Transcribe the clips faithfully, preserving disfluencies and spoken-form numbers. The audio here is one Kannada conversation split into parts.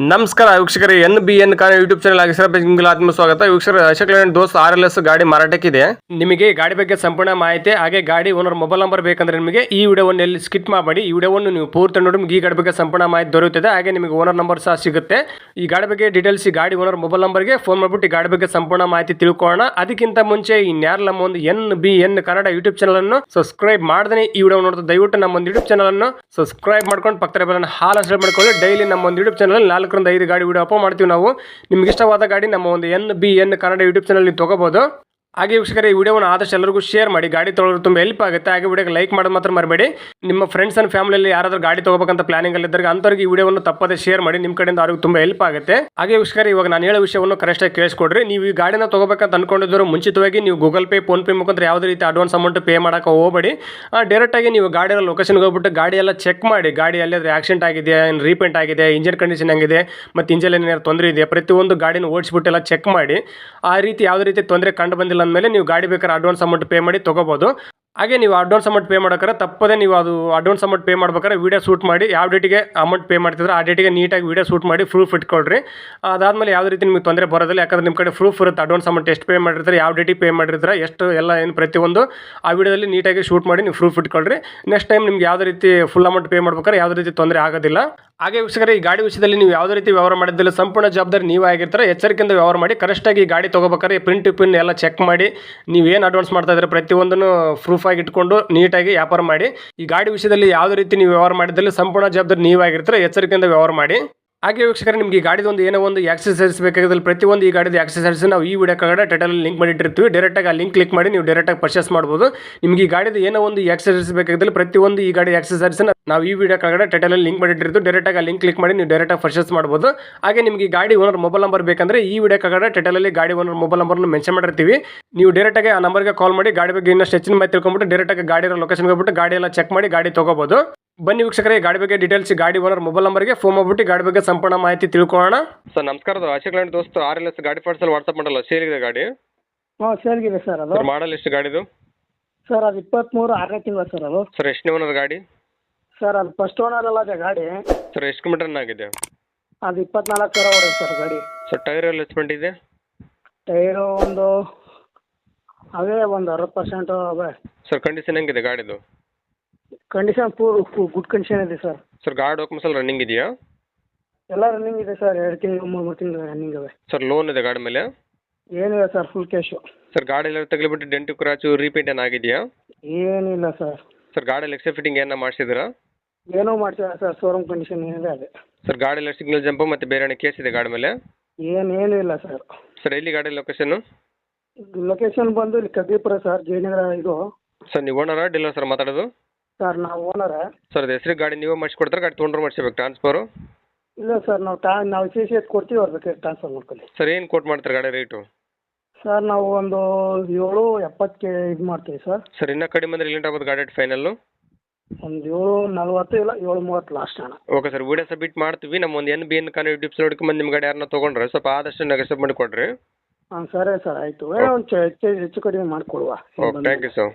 ನಮಸ್ಕಾರ ವೀಕ್ಷಕರೇ, N B N car YouTube channel ಆಗಿ ಸರ್ ನಿಮಗೆ ಆತ್ಮ ಸ್ವಾಗತ. ವೀಕ್ಷಕರೇ, Ashok Leyland Dost R L S ಗಾಡಿ ಮಾರಾಟಕ್ಕಿದೆ. ನಿಮಗೆ ಗಾಡಿ ಬಗ್ಗೆ ಸಂಪೂರ್ಣ ಮಾಹಿತಿ ಹಾಗೆ ಗಾಡಿ ಓನರ್ ಮೊಬೈಲ್ ನಂಬರ್ ಬೇಕಂದ್ರೆ ನಿಮಗೆ ಈ ವಿಡಿಯೋವನ್ನು ಎಲ್ಲಿ ಸ್ಕಿಪ್ ಮಾಡಬೇಡಿ. ಈ ವಿಡಿಯೋವನ್ನು ನೀವು ಪೂರ್ತಿ ನೋಡಿ ನಿಮಗೆ ಈ ಗಾಡಿ ಬಗ್ಗೆ ಸಂಪೂರ್ಣ ಮಾಹಿತಿ ದೊರೆಯುತ್ತದೆ. ಹಾಗೆ ನಿಮಗೆ ಓನರ್ ನಂಬರ್ ಸಹ ಸಿಗುತ್ತೆ. ಈ ಗಾಡಿ ಬಗ್ಗೆ ಡೀಟೇಲ್ಸ್ ಈ ಗಾಡಿ ಓನರ್ ಮೊಬೈಲ್ ನಂಬರ್ಗೆ ಫೋನ್ ಮಾಡಿಬಿಟ್ಟು ಈ ಗಾಡಿ ಬಗ್ಗೆ ಸಂಪೂರ್ಣ ಮಾಹಿತಿ ತಿಳ್ಕೊಳ್ಳೋಣ. ಅದಕ್ಕಿಂತ ಮುಂಚೆ ಇನ್ಯಾರು ನಮ್ಮ ಒಂದು N B N Kannada YouTube channel ಅನ್ನು ಸಬ್ಸ್ಕ್ರೈಬ್ ಮಾಡದೇ ಈ ವಿಡಿಯೋ ನೋಡ್ತಾ ದಯವಿಟ್ಟು ನಮ್ಮ ಒಂದು ಯೂಟ್ಯೂಬ್ ಚಾನಲ್ ಅನ್ನು ಸಬ್ಸ್ಕ್ರೈಬ್ ಮಾಡ್ಕೊಂಡು ಪಕ್ಕದ ಬೆಲ್ ಅನ್ನು ಹಾಲ್ ಅನ್ಸ್ಟಾಲ್ ಮಾಡ್ಕೊಳ್ಳಿ. ಡೈಲಿ ನಮ್ಮ ಒಂದು ಯೂಟ್ಯೂಬ್ ಚಾನಲ್ ನಾಲ್ಕರಿಂದ ಐದು ಗಾಡಿ ವಿಡಿಯೋ ಅಪ್ಲೋಡ್ ಮಾಡ್ತೀವಿ ನಾವು. ನಿಮ್ಗೆ ಇಷ್ಟವಾದ ಗಾಡಿ ನಮ್ಮ ಒಂದು N B N Kannada YouTube channel ನೀವು ತಗೋಬಹುದು. ಹಾಗೆ ವೀಕ್ಷಕರೇ, ಈ ವಿಡಿಯೋವನ್ನು ಆದಷ್ಟು ಎಲ್ಲರಿಗೂ ಶೇರ್ ಮಾಡಿ. ಗಾಡಿ ತೊಗೊಳ್ಳೋದು ತುಂಬ ಹೆಲ್ಪ್ ಆಗುತ್ತೆ. ಹಾಗೆ ವಿಡಿಯೋಗೆ ಲೈಕ್ ಮಾಡೋದು ಮಾತ್ರ ಮರಬೇಡಿ. ನಿಮ್ಮ ಫ್ರೆಂಡ್ಸ್ ಅಂಡ್ ಫ್ಯಾಮಿಲಿಯಲ್ಲಿ ಯಾರಾದರೂ ಗಾಡಿ ತಗೋಬೇಕಂತ ಪ್ಲಾನಿಂಗ್ ಅಲ್ಲಿ ಇದ್ದರೆ ಅಂಥವ್ರಿಗೆ ಈ ವಿಡಿಯೋವನ್ನು ತಪ್ಪದೆ ಶೇರ್ ಮಾಡಿ. ನಿಮ್ಮ ಕಡೆಯಿಂದ ಅವ್ರಿಗೆ ತುಂಬ ಹೆಲ್ಪ್ ಆಗುತ್ತೆ. ಹಾಗೆ ವೀಕ್ಷಕರೇ, ಇವಾಗ ನಾನು ಹೇಳೋ ವಿಷಯವನ್ನು ಕರೆಕ್ಟಾಗಿ ಕೇಳಿಸ್ಕೊಡ್ರಿ. ನೀವು ಈ ಗಾಡಿನ ತಗೋಬೇಕಂತ ಅನ್ಕೊಂಡಿದ್ರು ಮುಂಚಿತವಾಗಿ ನೀವು ಗೂಗಲ್ ಪೇ, ಫೋನ್ ಪೇ ಮುಖಾಂತರ ಯಾವುದೇ ರೀತಿ ಅಡ್ವಾನ್ಸ್ ಅಮೌಂಟ್ ಪೇ ಮಾಡೋಕೆ ಹೋಗಬೇಡಿ. ಡೈರೆಕ್ಟಾಗಿ ನೀವು ಗಾಡಿಯ ಲೊಕೇಶನ್ಗೆ ಹೋಗ್ಬಿಟ್ಟು ಗಾಡಿ ಎಲ್ಲ ಚೆಕ್ ಮಾಡಿ. ಗಾಡಿ ಎಲ್ಲಿಯಾದ್ರೆ ಆಕ್ಸಿಡೆಂಟ್ ಆಗಿದೆ, ರೀಪೇಂಟ್ ಆಗಿದೆ, ಇಂಜಿನ್ ಕಂಡೀಷನ್ ಹೆಂಗಿದೆ, ಮತ್ತು ಇಂಜಿನ್ ಏನಾದ್ರು ತೊಂದರೆ ಇದೆ, ಪ್ರತಿಯೊಂದು ಗಾಡಿನ ಓಡಿಸ್ಬಿಟ್ಟು ಎಲ್ಲ ಚೆಕ್ ಮಾಡಿ. ಆ ರೀತಿ ಯಾವುದೇ ರೀತಿ ತೊಂದರೆ ಕಂಡು ಬಂದಿಲ್ಲ ಅಂದಮೇಲೆ ನೀವು ಗಾಡಿ ಬೇಕಾದ್ರೆ ಅಡ್ವಾನ್ಸ್ ಅಮೌಂಟ್ ಪೇ ಮಾಡಿ ತಗೋಬಹುದು. ಹಾಗೆ ನೀವು ಅಡ್ವಾನ್ಸ್ ಅಮೌಂಟ್ ಪೇ ಮಾಡೋಕ್ರೆ ತಪ್ಪದೆ ನೀವು ಅದು ಅಡ್ವಾನ್ಸ್ ಅಮೌಂಟ್ ಪೇ ಮಾಡ್ಬೇಕಾದ್ರೆ ವೀಡಿಯೋ ಶೂಟ್ ಮಾಡಿ ಯಾವ ಡೇಟಿಗೆ ಅಮೌಂಟ್ ಪೇ ಮಾಡ್ತಿದ್ರೆ ಆ ಡೇಟಿಗೆ ನೀಟಾಗಿ ವೀಡಿಯೋ ಶೂಟ್ ಮಾಡಿ ಪ್ರೂಫ್ ಇಟ್ಕೊಳ್ರಿ. ಅದಾದಮೇಲೆ ಯಾವುದೇ ರೀತಿ ನಿಮಗೆ ತೊಂದರೆ ಬರೋದಿಲ್ಲ. ಯಾಕಂದ್ರೆ ನಿಮ್ಮ ಕಡೆ ಪ್ರೂಫ್ ಇರುತ್ತೆ. ಅಡ್ವಾನ್ಸ್ ಅಮೌಂಟ್ ಎಷ್ಟು ಪೇ ಮಾಡಿರ್ತಾರೆ, ಯಾವ ಡೇಟಿಗೆ ಪೇ ಮಾಡಿರ್ತಾರೆ, ಎಷ್ಟು ಎಲ್ಲ ಏನು ಪ್ರತಿಯೊಂದು ಆ ವಿಡಿಯೋದಲ್ಲಿ ನೀಟಾಗಿ ಶೂಟ್ ಮಾಡಿ ನೀವು ಪ್ರೂಫ್ ಇಟ್ಕೊಳ್ರಿ. ನೆಕ್ಸ್ಟ್ ಟೈಮ್ ನಿಮ್ಗೆ ಯಾವುದೇ ರೀತಿ ಫುಲ್ ಅಮೌಂಟ್ ಪೇ ಮಾಡ್ಬೇಕಾದ್ರೆ ಯಾವುದೇ ರೀತಿ ತೊಂದರೆ ಆಗೋದಿಲ್ಲ. ಹಾಗೆ ವೀಕ್ಷಕರೇ, ಈ ಗಾಡಿ ವಿಷಯದಲ್ಲಿ ನೀವು ಯಾವುದೇ ರೀತಿ ವ್ಯವಹಾರ ಮಾಡಿದ್ದಿಲ್ಲ ಸಂಪೂರ್ಣ ಜವಾಬ್ದಾರಿ ನೀವು ಆಗಿರ್ತಾರೆ. ಎಚ್ಚರಿಕೆಯಿಂದ ವ್ಯವಹಾರ ಮಾಡಿ. ಕರೆಕ್ಟಾಗಿ ಈ ಗಾಡಿ ತೊಗೋಬೇಕಾದ್ರೆ ಪ್ರಿಂಟ್ ಪಿನ್ ಎಲ್ಲ ಚೆಕ್ ಮಾಡಿ. ನೀವು ಏನು ಅಡ್ವಾನ್ಸ್ ಮಾಡ್ತಾ ಇದ್ರೆ ಪ್ರತಿಯೊಂದನ್ನು ಪ್ರೂಫ್ ಆಗಿ ಇಟ್ಕೊಂಡು ನೀಟಾಗಿ ವ್ಯಾಪಾರ ಮಾಡಿ. ಈ ಗಾಡಿ ವಿಷಯದಲ್ಲಿ ಯಾವುದೇ ರೀತಿ ನೀವು ವ್ಯವಹಾರ ಮಾಡಿದ್ದಲ್ಲಿ ಸಂಪೂರ್ಣ ಜವಾಬ್ದಾರಿ ನೀವಾಗಿರ್ತಾರೆ. ಎಚ್ಚರಿಕೆಯಿಂದ ವ್ಯವಹಾರ ಮಾಡಿ. ಹಾಗೆ ವೀಕ್ಷಕರೇ, ನಿಮಗೆ ಈ ಗಾಡಿದು ಒಂದು ಏನೋ ಒಂದು ಆಕ್ಸೆಸರೀಸ್ ಬೇಕಾಗಿದ್ದಲ್ಲಿ ಪ್ರತಿಯೊಂದು ಈ ಗಾಡಿದ ಆಕ್ಸೆಸರೀಸ್ ನಾವು ಈ ವಿಡಿಯೋ ಕೆಳಗಡೆ ಟೈಟಲಲ್ಲಿ ಲಿಂಕ್ ಮಾಡಿಟ್ಟಿರ್ತೀವಿ. ಡೈರೆಕ್ಟಾಗಿ ಆ ಲಿಂಕ್ ಕ್ಲಿಕ್ ಮಾಡಿ ನೀವು ಡೈರೆಕ್ಟಾಗಿ ಪರ್ಚೇಸ್ ಮಾಡ್ಬೋದು. ನಿಮಗೆ ಈ ಗಾಡಿದ ಏನೋ ಒಂದು ಆಕ್ಸೆಸರೀಸ್ ಬೇಕಾಗಿದ್ದಲ್ಲಿ ಪ್ರತಿಯೊಂದು ಈ ಗಾಡಿ ಆಕ್ಸೆಸರೀಸ್ ನಾವು ಈ ವಿಡಿಯೋ ಕೆಳಗಡೆ ಟೈಟಲಲ್ಲಿ ಲಿಂಕ್ ಮಾಡಿಟ್ಟಿರ್ತೀವಿ. ಡೈರೆಕ್ಟಾಗಿ ಆ ಲಿಂಕ್ ಕ್ಲಿಕ್ ಮಾಡಿ ನೀವು ಡೈರೆಕ್ಟಾಗಿ ಪರ್ಚೇಸ್ ಮಾಡ್ಬೋದು. ಹಾಗೆ ನಿಮಗೆ ಈ ಗಾಡಿ ಓನರ್ ಮೊಬೈಲ್ ನಂಬರ್ ಬೇಕಂದ್ರೆ ಈ ವಿಡಿಯೋ ಕೆಳಗಡೆ ಟೈಟಲಲ್ಲಿ ಗಾಡಿ ಓನರ್ ಮೊಬೈಲ್ ನಂಬರ್ನ ಮೆನ್ಷನ್ ಮಾಡಿರ್ತೀವಿ. ನೀವು ಡೈರೆಕ್ಟಾಗಿ ಆ ನಂಬರ್ಗೆ ಕಾಲ್ ಮಾಡಿ ಗಾಡಿ ಬಗ್ಗೆ ಇನ್ನಷ್ಟು ಹೆಚ್ಚಿನ ಮಾಹಿತಿ ತಿಳ್ಕೊಂಡ್ಬಿಟ್ಟು ಡೈರೆಕ್ಟಾಗಿ ಗಾಡಿ ಲೊಕೇಶನ್ಗೆ ಹೋಗ್ಬಿಟ್ಟು ಗಾಡಿ ಎಲ್ಲ ಚೆಕ್ ಮಾಡಿ ಗಾಡಿ ತಗೋಬಹುದು. ಬನ್ನಿ ವೀಕ್ಷಕರೇ, ಗಾಡಿ ಬಗ್ಗೆ ಡೀಟೇಲ್ಸ್ ಗಾಡಿ ಓನರ್ ಮೊಬೈಲ್ ನಂಬರ್ಗೆ ಫೋನ್ ಮಾಡ್ಬಿಟ್ಟು ಗಾಡಿ ಬಗ್ಗೆ ಸಂಪೂರ್ಣ ಮಾಹಿತಿ ತಿಳ್ಕೊಳ್ಳೋಣ. ಸರ್ ನಮಸ್ಕಾರ, Ashok Leyland Dost R L S ಗಾಡಿ ಪಾರ್ಟ್ಸಲ್ಲಿ ವಾಟ್ಸಪ್ ಮಾಡಲ್ಲ ಸೇಲ್ಗಿದೆ ಗಾಡಿ? ಹಾಂ ಸೇಲ್ಗಿದೆ ಸರ್. ಅದು ಮಾಡಲ್ ಎಷ್ಟು ಗಾಡಿದು? ಸರ್ ಅದು ಇಪ್ಪತ್ತ್ಮೂರು ಆರನೇ ತಿಂಗಳು ಸರ್. ಅದು ಸರ್ ಎಷ್ಟನೇ ಓನರ್ ಗಾಡಿ? ಸರ್ ಅದು ಫಸ್ಟ್ ಓನರ್ ಅಲ್ಲ ಅದೇ ಗಾಡಿ. ಸರ್ ಎಷ್ಟು ಕಿಲೋಮೀಟರ್ ಆಗಿದೆ? ಅದು ಇಪ್ಪತ್ನಾಲ್ಕು ಸಾವಿರ ಹೊಡೆದು ಸರ್ ಗಾಡಿ. ಸರ್ ಟೈರ್ ಎಲ್ಲ ಎಸ್ಪೆಂಟ್ ಇದೆ? ಟೈರು ಒಂದು ಅವೇ ಒಂದು ಅರವತ್ತು ಪರ್ಸೆಂಟು ಅವೇ. ಸರ್ ಕಂಡೀಷನ್ ಹೆಂಗಿದೆ ಗಾಡಿದು? ಕಂಡೀಷನ್ ಪೂರ್ ಗುಡ್ ಕಂಡೀಷನ್ ಇದೆ ಸರ್. ಸರ್ ಗಾಡಿ ಡಾಕ್ಯುಮೆಂಟ್ಸ್ ಎಲ್ಲ ರನ್ನಿಂಗ್ ಇದೆಯಾ? ಎಲ್ಲ ರನ್ನಿಂಗ್ ಇದೆ ಸರ್. ಎರಡು ತಿಂಗಳು ಮೂರು ಮೂರು ತಿಂಗಳು ರನ್ನಿಂಗ್ ಇವೆ. ಸರ್ ಲೋನ್ ಇದೆ ಗಾಡಿ ಮೇಲೆ? ಏನಿಲ್ಲ ಸರ್, ಫುಲ್ ಕ್ಯಾಶು. ಸರ್ ಗಾಡಿ ಎಲ್ಲ ತಗಲಿಬಿಟ್ಟು ಡೆಂಟು ಕ್ರಾಚು ರೀಪೇಂಟ್ ಏನಾಗಿದೆಯಾ? ಏನಿಲ್ಲ ಸರ್. ಸರ್ ಗಾಡಿಯಲ್ಲಿ ಎಕ್ಸ್ಟ್ರಾ ಫಿಟ್ಟಿಂಗ್ ಏನೋ ಮಾಡಿಸಿದ್ರಾ? ಏನೋ ಮಾಡ್ತೀರಾ ಸರ್, ಶೋರೂಮ್ ಕಂಡೀಷನ್ ಏನಿದೆ ಅದೇ. ಸರ್ ಗಾಡಿ ಎಲ್ಲ ಸಿಗ್ನಲ್ ಜಂಪು ಮತ್ತು ಬೇರೆ ಏನೋ ಕೇಸ್ ಇದೆ ಗಾಡಿ ಮೇಲೆ? ಏನೇನು ಇಲ್ಲ ಸರ್. ಸರ್ ಎಲ್ಲಿ ಗಾಡಿ ಲೊಕೇಶನ್ನು? ಲೊಕೇಶನ್ ಬಂದು ಇಲ್ಲಿ ಕಗ್ರಿಪುರ ಸರ್, ಜಯನಗರ. ಇದು ಸರ್ ನೀವು ಓನರಾ ಡೀಲರ್ ಸರ್ ಮಾತಾಡೋದು? ಸರ್ ನಾವು ಓನರ. ಸರ್ ಅದು ಹೆಸರು ಗಾಡಿ ನೀವೇ ಮಾಡಿಸ್ಕೊಡ್ತಾರೆ, ಗಾಡಿ ತೊಗೊಂಡ್ರೆ ಮಾಡಿಸ್ಬೇಕು ಟ್ರಾನ್ಸ್ಫರು? ಇಲ್ಲ ಸರ್, ನಾವು ಟಾ ನಾವು ಸಿ ಸಿ ಎತ್ ಕೊಡ್ತೀವಿ, ಅವ್ರ ಬೇಕಾದ್ರೆ ಟ್ರಾನ್ಸ್ಫರ್ ಮಾಡ್ಕೊಳ್ಳಿ. ಸರ್ ಏನು ಕೋಟ್ ಮಾಡ್ತಾರೆ ಗಾಡಿ ರೇಟು? ಸರ್ ನಾವು ಒಂದು ಏಳು ಎಪ್ಪತ್ತಕ್ಕೆ ಇದು ಮಾಡ್ತೀವಿ ಸರ್. ಸರ್ ಇನ್ನೂ ಕಡಿಮೆ ಅಂದರೆ ಎಲ್ಲಿಂಟ ಆಗೋದು ಗಾಡಿ ಫೈನಲ್ಲು? ಒಂದು ಏಳು ನಲ್ವತ್ತು ಇಲ್ಲ ಏಳು ಮೂವತ್ತು ಲಾಸ್ಟ್ ಅಣ್ಣ. ಓಕೆ ಸರ್, ವಿಡಿಯೋ ಸಬ್ಮಿಟ್ ಮಾಡ್ತೀವಿ. ನಮ್ಮ ಒಂದು ಎನ್ ಬಿ ಎನ್ ಕಾನ್ ಯೂಟ್ಯೂಬ್ಸ್ ನೋಡ್ಕೊಂಡು ನಿಮ್ಮ ಗಾಡಿ ಯಾರನ್ನ ತೊಗೊಂಡ್ರೆ ಸ್ವಲ್ಪ ಆದಷ್ಟು ನೆಗೆಸಬ್ ಮಾಡಿ ಕೊಡ್ರಿ. ಹಾಂ ಸರಿ ಸರ್, ಆಯಿತು. ಒಂದು ಹೆಚ್ಚು ಹೆಚ್ಚು ಕಡಿಮೆ ಮಾಡಿಕೊಡುವ. Okay, thank you sir.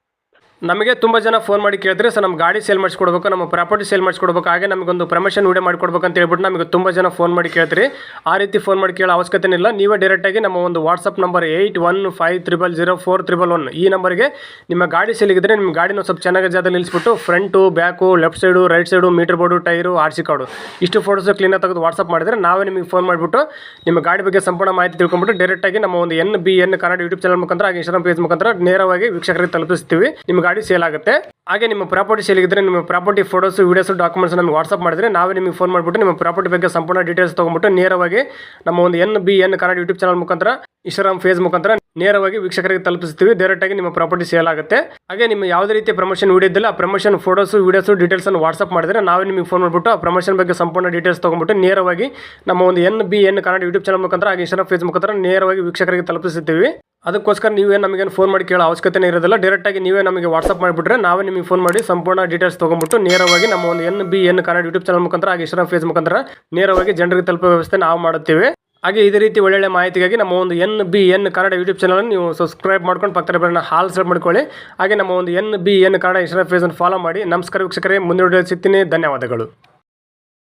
ನಮಗೆ ತುಂಬ ಜನ ಫೋನ್ ಮಾಡಿ ಕೇಳಿದ್ರೆ ಸರ್ ನಮ್ಮ ಗಾಡಿ ಸೇಲ್ ಮಾಡಿಸ್ಕೊಡ್ಬೇಕು, ನಮ್ಮ ಪ್ರಾಪರ್ಟಿ ಸೇಲ್ ಮಾಡಿಸ್ಕೊಡ್ಬೇಕು, ಹಾಗೆ ನಮಗೊಂದು ಪ್ರಮೋಷನ್ ವಿಡಿಯೋ ಮಾಡಿಕೊಡ್ಬೇಕು ಅಂತ ಹೇಳ್ಬಿಟ್ಟು ನಮಗೆ ತುಂಬ ಜನ ಫೋನ್ ಮಾಡಿ ಕೇಳ್ತೀರಿ. ಆ ರೀತಿ ಫೋನ್ ಮಾಡಿ ಕೇಳೋ ಅವಶ್ಯಕತೆ ಇಲ್ಲ. ನೀವೇ ಡೈರೆಕ್ಟಾಗಿ ನಮ್ಮ ಒಂದು WhatsApp number eight one five triple zero four triple one ಈ ನಂಬರ್ಗೆ ನಿಮ್ಮ ಗಾಡಿ ಸೇಲಿಗಿದ್ರೆ ನಿಮ್ಮ ಗಾಡಿನ ಸ್ವಲ್ಪ ಚೆನ್ನಾಗಿ ಜಾಗದಲ್ಲಿ ನಿಲ್ಲಿಸ್ಬಿಟ್ಟು front, back, left side, right side, meter board, tyre, R C card ಇಷ್ಟು ಫೋಟೋಸ್ ಕ್ಲೀನಾಗಿ ತೆಗೆದು ವಾಟ್ಸಪ್ ಮಾಡಿದರೆ ನಾವೇ ನಿಮಗೆ ಫೋನ್ ಮಾಡಿಬಿಟ್ಟು ನಿಮ್ಮ ಗಾಡಿ ಬಗ್ಗೆ ಸಂಪೂರ್ಣ ಮಾಹಿತಿ ತಿಳ್ಕೊಂಡ್ಬಿಟ್ಟು ಡೈರೆಕ್ಟಾಗಿ ನಮ್ಮ ಒಂದು N B N Kannada YouTube channel ಮುಖಾಂತರ ಹಾಗೆ ಇನ್ಸ್ಟಾಗ್ರಾಮ್ ಪೇಜ್ ಮುಖಾಂತರ ನೇರವಾಗಿ ವೀಕ್ಷಕರಿಗೆ ತಲುಪಿಸ್ತೀವಿ. ನಿಮ್ಮ ಗಾಡಿ ಸೇಲ್ ಆಗುತ್ತೆ. ಹಾಗೆ ನಿಮ್ಮ ಪ್ರಾಪರ್ಟಿ ಸೇಲಿಗಿದ್ರೆ ನಿಮ್ಮ ಪ್ರಾಪರ್ಟಿ ಫೋಟೋಸ್, ವೀಡಿಯೋಸ್, ಡಾಕ್ಯುಮೆಂಟ್ಸ್ ನಮಗೆ ವಾಟ್ಸಪ್ ಮಾಡಿದ್ರೆ ನಾವೇ ನಿಮಗೆ ಫೋನ್ ಮಾಡಿಬಿಟ್ಟು ನಿಮ್ಮ ಪ್ರಾಪರ್ಟಿ ಬಗ್ಗೆ ಸಂಪೂರ್ಣ ಡೀಟೇಲ್ಸ್ ತೊಗೊಂಡ್ಬಿಟ್ಟು ನೇರವಾಗಿ ನಮ್ಮ ಒಂದು N B N Kannada YouTube channel ಮುಖಾಂತರ ಇನ್ಸ್ಟಾಗ್ರಾಮ್ ಫೇಸ್ ಮುಖಾಂತರ ನೇರವಾಗಿ ವೀಕ್ಷಕರಿಗೆ ತಲುಪಿಸ್ತೀವಿ. ಡೈರೆಕ್ಟಾಗಿ ನಿಮ್ಮ ಪ್ರಾಪರ್ಟಿ ಸೇಲ್ ಆಗುತ್ತೆ. ಹಾಗೆ ನಿಮ್ಮ ಯಾವುದೇ ರೀತಿಯ ಪ್ರಮೋಷನ್ ವಿಡಿಯೋ ಇದ್ದಿಲ್ಲ ಆ ಪ್ರಮೋಷನ್ ಫೋಟೋಸ್, ವೀಡಿಯೋಸ್, ಡೀಟೇಲ್ಸ್ ಅನ್ನು ವಾಟ್ಸಪ್ ಮಾಡಿದ್ರೆ ನಾವೇ ನಿಮಗೆ ಫೋನ್ ಮಾಡಿಬಿಟ್ಟು ಆ ಪ್ರಮೋಷನ್ ಬಗ್ಗೆ ಸಂಪೂರ್ಣ ಡೀಟೇಲ್ಸ್ ತೊಗೊಂಡ್ಬಿಟ್ಟು ನೇರವಾಗಿ ನಮ್ಮ ಒಂದು N B N Kannada YouTube channel ಮುಖಾಂತರ ಹಾಗೆ ಇನ್ಸ್ಟಾಗ್ರಾಮ್ ಫೇಸ್ ಮುಖಾಂತರ ನೇರವಾಗಿ ವೀಕ್ಷಕರಿಗೆ ತಲುಪಿಸುತ್ತೀವಿ. ಅದಕ್ಕೋಸ್ಕರ ನೀವೇ ನಮಗೇನು ಫೋನ್ ಮಾಡಿ ಕೇಳೋ ಅವಶ್ಯಕತೆ ಇರೋದಿಲ್ಲ. ಡೈರೆಕ್ಟಾಗಿ ನೀವೇ ನಮಗೆ ವಾಟ್ಸಪ್ ಮಾಡಿಬಿಟ್ರೆ ನಾವೇ ನಿಮಗೆ ಫೋನ್ ಮಾಡಿ ಸಂಪೂರ್ಣ ಡೀಟೇಲ್ಸ್ ತೊಗೊಂಡ್ಬಿಟ್ಟು ನೇರವಾಗಿ ನಮ್ಮ ಒಂದು N B N Kannada YouTube channel ಮುಖಾಂತರ ಹಾಗೆ ಇನ್ಸ್ಟಾಗ್ರಾಮ್ ಫೇಸ್ ಮುಖಾಂತರ ನೇರವಾಗಿ ಜನರಿಗೆ ತಲುಪೋ ವ್ಯವಸ್ಥೆ ನಾವು ಮಾಡುತ್ತೇವೆ. ಹಾಗೆ ಇದೇ ರೀತಿ ಒಳ್ಳೊಳ್ಳೆ ಮಾಹಿತಿಗಾಗಿ ನಮ್ಮ ಒಂದು N B N Kannada YouTube channel ನೀವು ಸಬ್ಸ್ಕ್ರೈಬ್ ಮಾಡ್ಕೊಂಡು ಪಕ್ಕದ ಬೆಲ್ಲನ್ನು ಹಾಲ್ ಸೆಟ್ ಮಾಡ್ಕೊಳ್ಳಿ. ಹಾಗೆ ನಮ್ಮ ಒಂದು N B N Kannada Instagram ಪೇಜನ್ನು ಫಾಲೋ ಮಾಡಿ. ನಮಸ್ಕಾರ ವೀಕ್ಷಕರೇ, ಮುಂದಿನ ವಿಡಿಯೋ ಸಿಗ್ತೀನಿ. ಧನ್ಯವಾದಗಳು.